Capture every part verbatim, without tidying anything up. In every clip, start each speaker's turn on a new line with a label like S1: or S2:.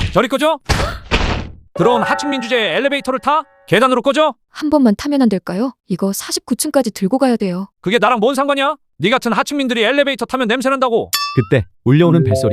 S1: 저리 꺼져. 들어온 하층민 주제에 엘리베이터를 타? 계단으로 꺼져?
S2: 한 번만 타면 안 될까요? 이거 사십구 층까지 들고 가야 돼요.
S1: 그게 나랑 뭔 상관이야? 네 같은 하층민들이 엘리베이터 타면 냄새난다고.
S3: 그때 울려오는 벨소리.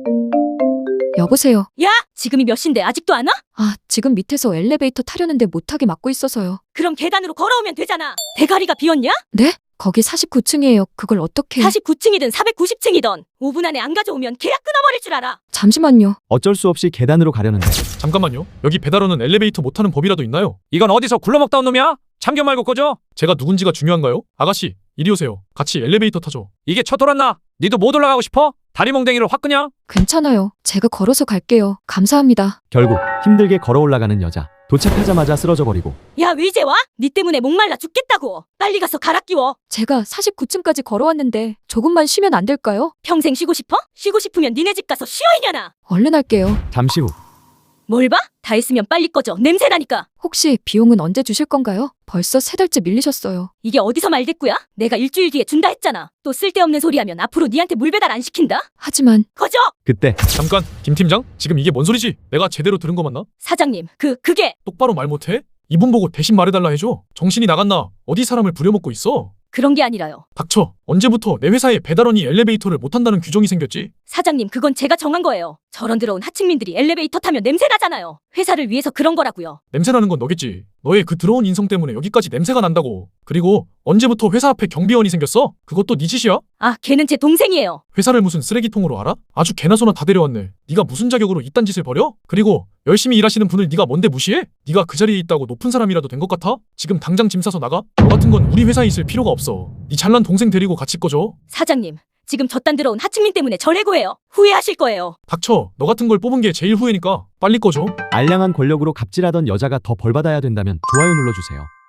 S2: 여보세요.
S4: 야! 지금이 몇 시인데 아직도 안 와?
S2: 아, 지금 밑에서 엘리베이터 타려는데 못하게 막고 있어서요.
S4: 그럼 계단으로 걸어오면 되잖아. 대가리가 비었냐?
S2: 네? 거기 사십구 층이에요. 그걸 어떻게...
S4: 사십구 층이든 사백구십 층이든 오 분 안에 안 가져오면 계약 끊어버릴 줄 알아.
S2: 잠시만요.
S3: 어쩔 수 없이 계단으로 가려는데
S5: 잠깐만요. 여기 배달원은 엘리베이터 못 타는 법이라도 있나요?
S1: 이건 어디서 굴러먹다 온 놈이야? 참견 말고 꺼져.
S5: 제가 누군지가 중요한가요? 아가씨, 이리 오세요. 같이 엘리베이터 타죠.
S1: 이게 쳐 돌았나? 니도 못 올라가고 싶어? 다리 몽댕이를 확 그냥?
S2: 괜찮아요. 제가 걸어서 갈게요. 감사합니다.
S3: 결국 힘들게 걸어 올라가는 여자. 도착하자마자 쓰러져 버리고
S4: 야, 왜 이제 와? 니 때문에 목말라 죽겠다고. 빨리 가서 갈아 끼워.
S2: 제가 사십구 층까지 걸어왔는데 조금만 쉬면 안 될까요?
S4: 평생 쉬고 싶어? 쉬고 싶으면 니네 집 가서 쉬어 이년아.
S2: 얼른 할게요.
S3: 잠시 후
S4: 뭘 봐? 다 했으면 빨리 꺼져. 냄새 나니까.
S2: 혹시 비용은 언제 주실 건가요? 벌써 세 달째 밀리셨어요.
S4: 이게 어디서 말대꾸야? 내가 일주일 뒤에 준다 했잖아. 또 쓸데없는 소리 하면 앞으로 니한테 물 배달 안 시킨다.
S2: 하지만
S4: 꺼져!
S3: 그때
S5: 잠깐, 김 팀장? 지금 이게 뭔 소리지? 내가 제대로 들은 거 맞나?
S4: 사장님, 그, 그게
S5: 똑바로 말 못해? 이분 보고 대신 말해달라 해줘. 정신이 나갔나? 어디 사람을 부려먹고 있어?
S4: 그런 게 아니라요.
S5: 닥쳐. 언제부터 내 회사에 배달원이 엘리베이터를 못 탄다는 규정이 생겼지?
S4: 사장님, 그건 제가 정한 거예요. 저런 들어온 하층민들이 엘리베이터 타면 냄새 나잖아요. 회사를 위해서 그런 거라고요.
S5: 냄새나는 건 너겠지. 너의 그 더러운 인성 때문에 여기까지 냄새가 난다고. 그리고 언제부터 회사 앞에 경비원이 생겼어? 그것도 네 짓이야?
S4: 아, 걔는 제 동생이에요.
S5: 회사를 무슨 쓰레기통으로 알아? 아주 개나 소나 다 데려왔네. 네가 무슨 자격으로 이딴 짓을 벌여? 그리고 열심히 일하시는 분을 네가 뭔데 무시해? 네가 그 자리에 있다고 높은 사람이라도 된 것 같아? 지금 당장 짐 싸서 나가? 너 같은 건 우리 회사에 있을 필요가 없어. 네 잘난 동생 데리고 같이 꺼져.
S4: 사장님, 지금 저딴 들어온 하층민 때문에 절 해고해요. 후회하실 거예요.
S5: 닥쳐. 너 같은 걸 뽑은 게 제일 후회니까 빨리 꺼져.
S3: 알량한 권력으로 갑질하던 여자가 더 벌받아야 된다면 좋아요 눌러주세요.